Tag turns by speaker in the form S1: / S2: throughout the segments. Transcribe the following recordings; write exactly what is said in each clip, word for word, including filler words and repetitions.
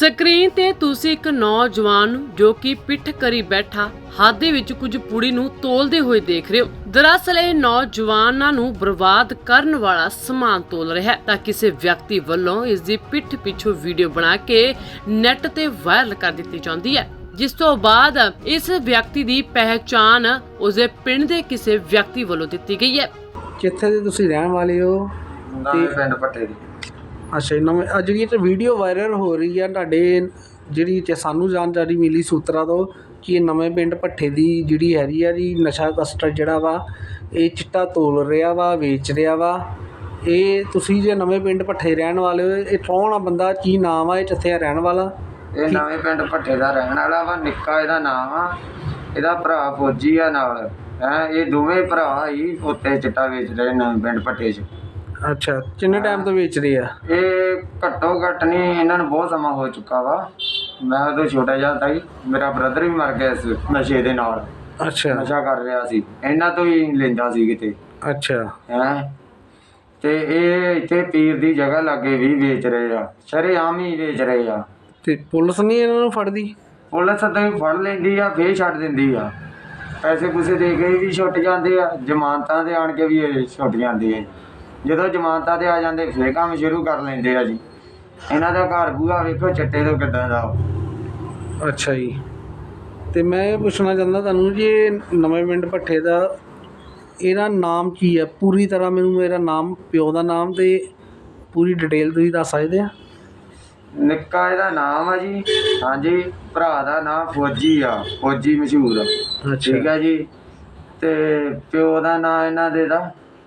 S1: Screen ਤੇ ਤੁਸੀਂ ਇੱਕ ਨੌਜਵਾਨ ਨੂੰ ਜੋ ਕਿ ਪਿੱਠ ਕਰੀ ਬੈਠਾ ਹੱਥ ਦੇ ਵਿੱਚ ਕੁਝ ਪੁੜੀ ਨੂੰ ਤੋਲਦੇ ਹੋਏ ਦੇਖ ਰਹੇ ਹੋ। ਦਰਅਸਲ ਇਹ ਨੌਜਵਾਨਾਂ ਨੂੰ ਬਰਬਾਦ ਕਰਨ ਵਾਲਾ ਸਮਾਨ ਤੋਲ ਰਿਹਾ ਹੈ ਤਾਂ ਕਿਸੇ ਵਿਅਕਤੀ ਵੱਲੋਂ ਇਸ ਦੀ ਪਿੱਠ ਪਿੱਛੋਂ ਵੀਡੀਓ ਬਣਾ ਕੇ ਨੈੱਟ ਤੇ ਵਾਇਰਲ ਕਰ ਦਿੱਤੀ ਜਾਂਦੀ ਹੈ, ਜਿਸ ਤੋਂ ਬਾਅਦ ਇਸ ਵਿਅਕਤੀ ਦੀ ਪਹਿਚਾਣ ਉਸਦੇ ਪਿੰਡ ਦੇ ਕਿਸੇ ਵਿਅਕਤੀ ਵੱਲੋਂ ਦਿੱਤੀ ਗਈ ਹੈ।
S2: ਕਿੱਥੇ ਦੇ ਤੁਸੀਂ ਰਹਿਣ ਵਾਲੇ ਹੋ?
S3: ਤੇ ਪਿੰਡ ਪੱਠੇ ਦੀ।
S2: ਅੱਛਾ, ਨਵੇਂ ਅੱਜ ਜਿਹੜੀ ਇਹ ਵੀਡੀਓ ਵਾਇਰਲ ਹੋ ਰਹੀ ਆ ਤੁਹਾਡੇ ਜਿਹੜੀ ਤੇ ਸਾਨੂੰ ਜਾਣਕਾਰੀ ਮਿਲੀ ਸੂਤਰਾਂ ਤੋਂ ਕਿ ਇਹ ਨਵੇਂ ਪਿੰਡ ਭੱਠੇ ਦੀ ਜਿਹੜੀ ਹੈਗੀ ਆ ਜੀ ਨਸ਼ਾ ਤਸਕਰ ਜਿਹੜਾ ਵਾ ਇਹ ਚਿੱਟਾ ਤੋਲ ਰਿਹਾ ਵਾ, ਵੇਚ ਰਿਹਾ ਵਾ। ਇਹ ਤੁਸੀਂ ਜੇ ਨਵੇਂ ਪਿੰਡ ਭੱਠੇ ਰਹਿਣ ਵਾਲੇ ਹੋ, ਇਹ ਕੌਣ ਆ ਬੰਦਾ, ਕੀ ਨਾਮ ਆ, ਇਹ ਕਿੱਥੇ ਰਹਿਣ ਵਾਲਾ?
S3: ਇਹ ਨਵੇਂ ਪਿੰਡ ਭੱਠੇ ਦਾ ਰਹਿਣ ਵਾਲਾ ਵਾ, ਨਿੱਕਾ ਇਹਦਾ ਨਾਮ ਆ। ਇਹਦਾ ਭਰਾ ਫੌਜੀ ਆ ਨਾਲ ਹੈ। ਇਹ ਦੋਵੇਂ ਭਰਾ ਹੀ ਉੱਤੇ ਚਿੱਟਾ ਵੇਚ ਰਹੇ ਨਵੇਂ ਪਿੰਡ ਭੱਠੇ 'ਚ।
S2: ਅੱਛਾ, ਕਿੰਨੇ ਟਾਈਮ ਤੋਂ ਵੇਚ ਰਹੇ ਆ?
S3: ਇਹ ਘੱਟੋ ਘੱਟ ਨਹੀਂ, ਇਹਨਾਂ ਨੂੰ ਬਹੁਤ ਸਮਾਂ ਹੋ ਚੁੱਕਾ ਵਾ। ਮੈਂ ਉਦੋਂ ਛੋਟਾ ਜਿਹਾ ਸੀ, ਮੇਰਾ ਬ੍ਰਦਰ ਵੀ ਮਰ ਗਿਆ ਇਸ ਨਸ਼ੇ ਦੇ ਨਾਲ।
S2: ਅੱਛਾ,
S3: ਨਸ਼ਾ ਕਰ ਰਿਹਾ ਸੀ, ਇਹਨਾਂ ਤੋਂ ਹੀ ਲੈਂਦਾ ਸੀ ਕਿਤੇ।
S2: ਅੱਛਾ
S3: ਹੈ ਤੇ ਇਹ ਇੱਥੇ ਪੀਰ ਦੀ ਜਗ੍ਹਾ ਲਾਗੇ ਵੀ ਵੇਚ ਰਹੇ ਆ, ਸ਼ਰੇਆਮ ਹੀ ਵੇਚ ਰਹੇ ਆ।
S2: ਤੇ ਪੁਲਿਸ ਨਹੀਂ ਇਹਨਾਂ ਨੂੰ ਫੜਦੀ?
S3: ਪੁਲਿਸ ਤਾਂ ਫੜ ਲੈਂਦੀ ਆ, ਫੇਰ ਛੱਡ ਦਿੰਦੀ ਆ। ਪੈਸੇ ਪੂਸੇ ਦੇ ਕੇ ਵੀ ਛੁੱਟ ਜਾਂਦੇ ਆ, ਜ਼ਮਾਨਤਾਂ ਤੇ ਆਣ ਕੇ ਵੀ ਇਹ ਛੁੱਟ ਜਾਂਦੇ ਆ। ਜਦੋਂ ਜ਼ਮਾਨਤਾਂ ਤੇ ਆ ਜਾਂਦੇ ਫੇਰ ਕੰਮ ਸ਼ੁਰੂ ਕਰ ਲੈਂਦੇ ਆ ਜੀ। ਇਹਨਾਂ ਦਾ ਘਰ ਬੂਹਾ ਵੇਖੋ ਚਿੱਟੇ ਤੋਂ ਕਿੱਦਾਂ ਦਾ।
S2: ਅੱਛਾ ਜੀ, ਤੇ ਮੈਂ ਇਹ ਪੁੱਛਣਾ ਚਾਹੁੰਦਾ ਤੁਹਾਨੂੰ ਜੀ ਇਹ ਨਵੇਂ ਪਿੰਡ ਭੱਠੇ ਦਾ ਇਹਦਾ ਨਾਮ ਕੀ ਹੈ? ਪੂਰੀ ਤਰ੍ਹਾਂ ਮੈਨੂੰ ਮੇਰਾ ਨਾਮ, ਪਿਓ ਦਾ ਨਾਮ ਤੇ ਪੂਰੀ ਡਿਟੇਲ ਤੁਸੀਂ ਦੱਸ ਸਕਦੇ ਆ?
S3: ਨਿੱਕਾ ਇਹਦਾ ਨਾਮ ਆ ਜੀ। ਹਾਂਜੀ, ਭਰਾ ਦਾ ਨਾਮ ਫੌਜੀ ਆ, ਫੌਜੀ ਮਸ਼ਹੂਰ ਆ। ਠੀਕ ਆ ਜੀ। ਤੇ ਪਿਓ ਦਾ ਨਾਂ ਇਹਨਾਂ ਦੇ ਦਾ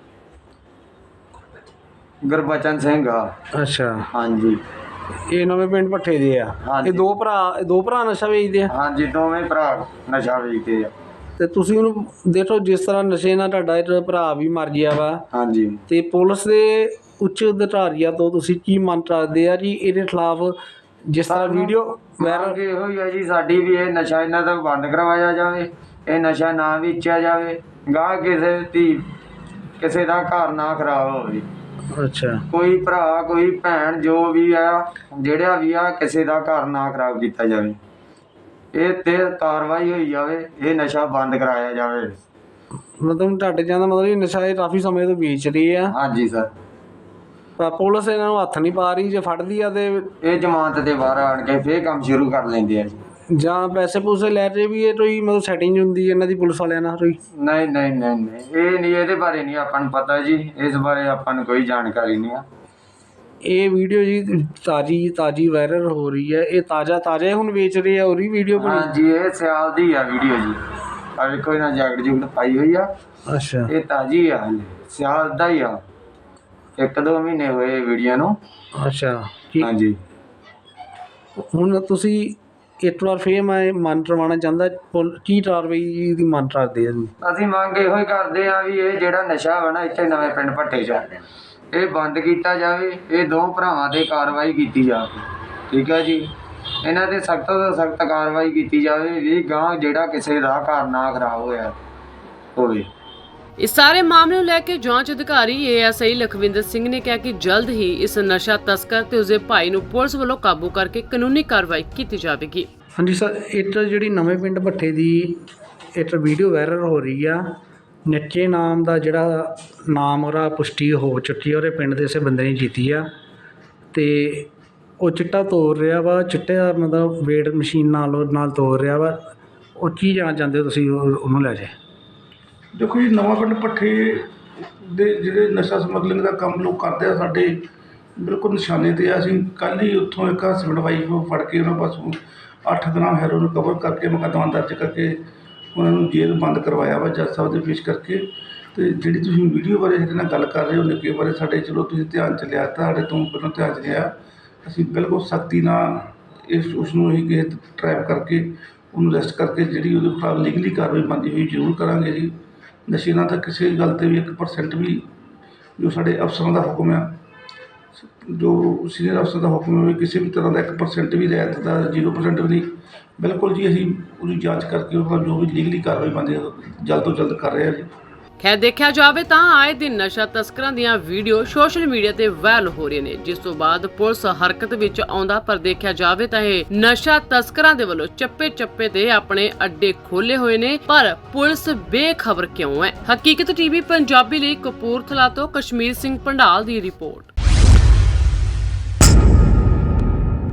S3: ਗੁਰਬਚਨ ਸਿੰਘ ਆ।
S2: ਅੱਛਾ,
S3: ਹਾਂਜੀ।
S2: ਇਹ ਨਵੇਂ ਪਿੰਡ ਭੱਠੇ ਦੇ ਆ। ਇਹ ਦੋ ਭਰਾ ਦੋ ਭਰਾ ਨਸ਼ਾ ਵੇਚਦੇ ਆ?
S3: ਹਾਂਜੀ, ਦੋਵੇਂ ਭਰਾ ਨਸ਼ਾ ਵੇਚਦੇ ਆ।
S2: ਤੇ ਤੁਸੀਂ ਉਹਨੂੰ ਦੇਖੋ ਜਿਸ ਤਰ੍ਹਾਂ ਨਸ਼ੇ ਨਾਲ ਤੁਹਾਡਾ ਇਹ ਭਰਾ ਵੀ ਮਰ ਗਿਆ ਵਾ।
S3: ਹਾਂਜੀ।
S2: ਤੇ ਪੁਲਿਸ ਦੇ ਉੱਚ ਅਧਿਕਾਰੀਆਂ ਤੋਂ ਤੁਸੀਂ ਕੀ ਮੰਗ ਕਰਦੇ ਆ ਜੀ ਇਹਦੇ ਖਿਲਾਫ? ਜਿਸ ਤਰ੍ਹਾਂ ਵੀਡੀਓ
S3: ਮੰਗ ਇਹੋ ਹੀ ਆ ਜੀ ਸਾਡੀ ਵੀ, ਇਹ ਨਸ਼ਾ ਇਹਨਾਂ ਦਾ ਬੰਦ ਕਰਵਾਇਆ ਜਾਵੇ, ਇਹ ਨਸ਼ਾ ਨਾ ਵੇਚਿਆ ਜਾਵੇ, ਗਾਹ ਕਿਸੇ ਦੀ ਕਿਸੇ ਦਾ ਘਰ ਨਾ ਖਰਾਬ ਹੋਵੇ।
S2: ਅੱਛਾ,
S3: ਕੋਈ ਭਰਾ ਕੋਈ ਭੈਣ ਜੋ ਵੀ ਆ, ਜਿਹੜਾ ਵੀ ਆ, ਕਿਸੇ ਦਾ ਘਰ ਨਾ ਖਰਾਬ ਕੀਤਾ ਜਾਵੇ। ਇਹ ਤੇ ਕਾਰਵਾਈ ਹੋਈ ਜਾਵੇ, ਇਹ ਨਸ਼ਾ ਬੰਦ ਕਰਾਇਆ ਜਾਵੇ।
S2: ਮਤਲਬ ਤੁਹਾਡੇ ਜਾਂਦਾ ਮਤਲਬ ਇਹ ਨਸ਼ਾ ਇਹ ਕਾਫੀ ਸਮੇਂ ਤੋਂ ਵੇਚ ਰਹੇ ਆ?
S3: ਹਾਂਜੀ ਸਰ।
S2: ਪਰ ਪੁਲਿਸ ਇਹਨਾਂ ਨੂੰ ਹੱਥ ਨਹੀਂ ਪਾ ਰਹੀ? ਜੇ ਫੜਦੀ ਆ ਤੇ
S3: ਇਹ ਜ਼ਮਾਨਤ ਦੇ ਬਾਹਰ ਆਣ ਕੇ ਫੇਰ ਕੰਮ ਸ਼ੁਰੂ ਕਰ ਲੈਂਦੇ ਆ ਜੀ।
S2: ਜਾਂ ਪੈਸੇ ਪੂਸੇ ਲੈ ਰਹੇ ਵੀ ਇਹ ਕੋਈ ਮਤਲਬ ਸੈਟਿੰਗ ਹੁੰਦੀ ਇਹਨਾਂ ਦੀ ਪੁਲਿਸ ਵਾਲਿਆਂ ਨਾਲ ਕੋਈ?
S3: ਨਹੀਂ ਨਹੀਂ ਨਹੀਂ ਨਹੀਂ, ਇਹ ਨਹੀਂ, ਇਹਦੇ ਬਾਰੇ ਨਹੀਂ ਆਪਾਂ ਨੂੰ ਪਤਾ ਜੀ। ਇਸ ਬਾਰੇ ਆਪਾਂ ਨੂੰ ਕੋਈ ਜਾਣਕਾਰੀ ਨਹੀਂ ਆ।
S2: ਇਹ ਵੀਡੀਓ ਜੀ ਤਾਜ਼ੀ ਤਾਜ਼ੀ ਵਾਇਰਲ ਹੋ ਰਹੀ ਹੈ। ਇਹ ਤਾਜ਼ਾ ਤਾਜ਼ਾ ਹੁਣ ਵੇਚ ਰਹੇ ਆ? ਉਹਦੀ ਵੀਡੀਓ ਬਣੀ?
S3: ਹਾਂਜੀ, ਇਹ ਸਿਆਲ ਦੀ ਆ ਵੀਡੀਓ ਜੀ। ਆ ਵੇਖੋ ਇਹਨਾਂ ਜੈਕਟ ਜੁਕਟ ਪਾਈ ਹੋਈ ਆ।
S2: ਅੱਛਾ,
S3: ਇਹ ਤਾਜ਼ੀ ਆ, ਸਿਆਲ ਦਾ ਹੀ ਆ। ਇੱਕ ਦੋ ਮਹੀਨੇ ਹੋਏ ਵੀਡੀਓ ਨੂੰ।
S2: ਅੱਛਾ।
S3: ਹਾਂਜੀ।
S2: ਹੁਣ ਤੁਸੀਂ ਇੱਕ ਵਾਰ ਫੇਰ ਮੈਂ ਮਨ ਕਰਵਾਉਣਾ ਚਾਹੁੰਦਾ, ਕੀ ਕਾਰਵਾਈ ਦੀ ਮੰਗ ਕਰਦੇ ਆ ਜੀ?
S3: ਅਸੀਂ ਮੰਗ ਇਹੋ ਹੀ ਕਰਦੇ ਆ ਵੀ ਇਹ ਜਿਹੜਾ ਨਸ਼ਾ ਵਾ ਨਾ ਇੱਥੇ ਨਵੇਂ ਪਿੰਡ ਭੱਠੇ 'ਚ, ਇਹ ਬੰਦ ਕੀਤਾ ਜਾਵੇ। ਇਹ ਦੋ ਭਰਾਵਾਂ 'ਤੇ ਕਾਰਵਾਈ ਕੀਤੀ ਜਾਵੇ। ਠੀਕ ਹੈ ਜੀ। ਇਹਨਾਂ 'ਤੇ ਸਖਤ ਤੋਂ ਸਖਤ ਕਾਰਵਾਈ ਕੀਤੀ ਜਾਵੇ ਵੀ ਗਾਂਹ ਜਿਹੜਾ ਕਿਸੇ ਦਾ ਘਰ ਨਾ ਖਰਾਬ ਹੋਇਆ ਹੋਵੇ।
S1: ਇਸ ਸਾਰੇ ਮਾਮਲੇ ਨੂੰ ਲੈ ਕੇ ਜਾਂਚ ਅਧਿਕਾਰੀ A S I Lakhwinder Singh ਨੇ ਕਿਹਾ ਕਿ ਜਲਦ ਹੀ ਇਸ ਨਸ਼ਾ ਤਸਕਰ ਤੇ ਉਸਦੇ ਭਾਈ ਨੂੰ ਪੁਲਿਸ ਵੱਲੋਂ ਕਾਬੂ ਕਰਕੇ ਕਾਨੂੰਨੀ ਕਾਰਵਾਈ ਕੀਤੀ ਜਾਵੇਗੀ।
S2: ਹਾਂਜੀ ਸਰ, ਇਹ ਜਿਹੜੀ ਨਵੇਂ ਪਿੰਡ ਭੱਠੇ ਦੀ ਇੱਕ ਵੀਡੀਓ ਵਾਇਰਲ ਹੋ ਰਹੀ ਆ, ਨਿੱਕੇ ਨਾਮ ਦਾ ਜਿਹੜਾ ਨਾਮ ਉਹਦਾ ਪੁਸ਼ਟੀ ਹੋ ਚੁੱਕੀ ਆ, ਉਹਦੇ ਪਿੰਡ ਦੇ ਇਸੇ ਬੰਦੇ ਨੇ ਕੀਤੀ ਆ ਤੇ ਉਹ ਚਿੱਟਾ ਤੋੜ ਰਿਹਾ ਵਾ। ਚਿੱਟੇ ਦਾ ਮਤਲਬ ਵੇਟ ਮਸ਼ੀਨ ਨਾਲ ਨਾਲ ਤੋੜ ਰਿਹਾ ਵਾ। ਉਹ ਕੀ ਜਾਣਾ ਚਾਹੁੰਦੇ ਹੋ ਤੁਸੀਂ ਉਹਨੂੰ ਲੈ ਜੇ?
S4: ਦੇਖੋ ਜੀ, ਨਵਾਂ ਪਿੰਡ ਭੱਠੇ ਦੇ ਜਿਹੜੇ ਨਸ਼ਾ ਸਮਗਲਿੰਗ ਦਾ ਕੰਮ ਲੋਕ ਕਰਦੇ ਆ, ਸਾਡੇ ਬਿਲਕੁਲ ਨਿਸ਼ਾਨੇ 'ਤੇ ਆ। ਅਸੀਂ ਕੱਲ੍ਹ ਹੀ ਉੱਥੋਂ ਇੱਕ ਹਸਬੈਂਡ ਵਾਈਫ ਫੜ ਕੇ ਉਹਨਾਂ ਪਾਸੋਂ ਅੱਠ ਗ੍ਰਾਮ ਹੈਰੋਇਨ ਕਵਰ ਕਰਕੇ ਮੁਕੱਦਮਾ ਦਰਜ ਕਰਕੇ ਉਹਨਾਂ ਨੂੰ ਜੇਲ੍ਹ ਬੰਦ ਕਰਵਾਇਆ ਵਾ ਜੱਜ ਸਾਹਿਬ ਦੇ ਪੇਸ਼ ਕਰਕੇ। ਅਤੇ ਜਿਹੜੀ ਤੁਸੀਂ ਵੀਡੀਓ ਬਾਰੇ ਸਾਡੇ ਨਾਲ ਗੱਲ ਕਰ ਰਹੇ ਹੋ ਨਿੱਕੇ ਬਾਰੇ, ਸਾਡੇ ਚਲੋ ਤੁਸੀਂ ਧਿਆਨ 'ਚ ਲਿਆ, ਤੁਹਾਡੇ ਤੋਂ ਪਹਿਲਾਂ ਧਿਆਨ 'ਚ ਲਿਆ। ਅਸੀਂ ਬਿਲਕੁਲ ਸਖਤੀ ਨਾਲ ਇਸ ਉਸ ਨੂੰ ਅਸੀਂ ਕਿਸੇ ਟਰੈਪ ਕਰਕੇ ਉਹਨੂੰ ਅਰੈਸਟ ਕਰਕੇ ਜਿਹੜੀ ਉਹਦੇ ਖਿਲਾਫ ਲੀਗਲੀ ਕਾਰਵਾਈ ਬਣਦੀ ਹੋਈ ਜ਼ਰੂਰ ਕਰਾਂਗੇ ਜੀ। ਨਸ਼ੇ ਨਾਲ ਤਾਂ ਕਿਸੇ ਗੱਲ 'ਤੇ ਵੀ ਇੱਕ ਪਰਸੈਂਟ ਵੀ, ਜੋ ਸਾਡੇ ਅਫਸਰਾਂ ਦਾ ਹੁਕਮ ਆ, ਜੋ ਸੀਨੀਅਰ ਅਫਸਰ ਦਾ ਹੁਕਮ ਹੈ, ਕਿਸੇ ਵੀ ਤਰ੍ਹਾਂ ਦਾ ਇੱਕ ਪਰਸੈਂਟ ਵੀ ਰਿਆਇਤ ਦਾ, ਜ਼ੀਰੋ ਪਰਸੈਂਟ ਵੀ ਨਹੀਂ। ਬਿਲਕੁਲ ਜੀ, ਅਸੀਂ ਉਹਦੀ ਜਾਂਚ ਕਰਕੇ ਉਹਦਾ ਜੋ ਵੀ ਲੀਗਲੀ ਕਾਰਵਾਈ ਬਣਦੀ ਜਲਦ ਤੋਂ ਜਲਦ ਕਰ ਰਹੇ ਹਾਂ ਜੀ।
S1: ਹੈ ਦੇਖਿਆ ਜਾਵੇ ਤਾਂ ਆਏ ਦਿਨ ਨਸ਼ਾ ਤਸਕਰਾਂ ਦੀਆਂ ਵੀਡੀਓ ਸੋਸ਼ਲ ਮੀਡੀਆ ਤੇ ਵਾਇਰਲ ਹੋ ਰਹੀਆਂ ਨੇ, ਜਿਸ ਤੋਂ ਬਾਅਦ ਪੁਲਿਸ ਹਰਕਤ ਵਿੱਚ ਆਉਂਦਾ। ਪਰ ਦੇਖਿਆ ਜਾਵੇ ਤਾਂ ਇਹ ਨਸ਼ਾ ਤਸਕਰਾਂ ਦੇ ਵੱਲੋਂ ਚੱਪੇ ਚੱਪੇ ਤੇ ਆਪਣੇ ਅੱਡੇ ਖੋਲੇ ਹੋਏ ਨੇ, ਪਰ ਪੁਲਿਸ ਬੇਖਬਰ ਕਿਉਂ ਹੈ। ਹਕੀਕਤ ਟੀਵੀ ਪੰਜਾਬੀ ਲਈ ਕਪੂਰਥਲਾ ਤੋਂ ਕਸ਼ਮੀਰ ਸਿੰਘ ਪੰਡਾਲ ਦੀ ਰਿਪੋਰਟ।